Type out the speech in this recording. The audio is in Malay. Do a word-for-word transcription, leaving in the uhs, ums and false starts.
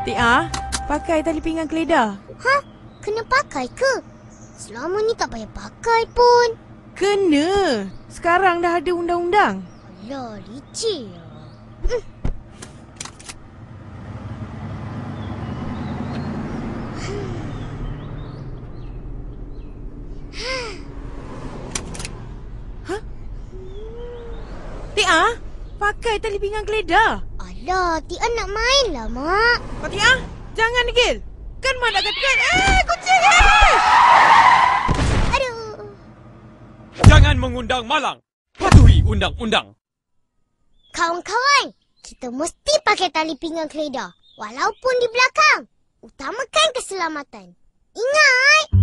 Tia, pakai tali pinggang keledar. Ha? Kena pakai ke? Selama ni tak payah pakai pun. Kena. Sekarang dah ada undang-undang. Alah, licik lah. Ha? Tia, pakai tali pinggang keledar. Alah, Tia nak main lah, Mak. Kau Tia, jangan degil. Kan Mak nak katakan, eh, kucing, eh! Aduh. Jangan mengundang malang. Patuhi undang-undang. Kawan-kawan, kita mesti pakai tali pinggang keledar. Walaupun di belakang. Utamakan keselamatan. Ingat!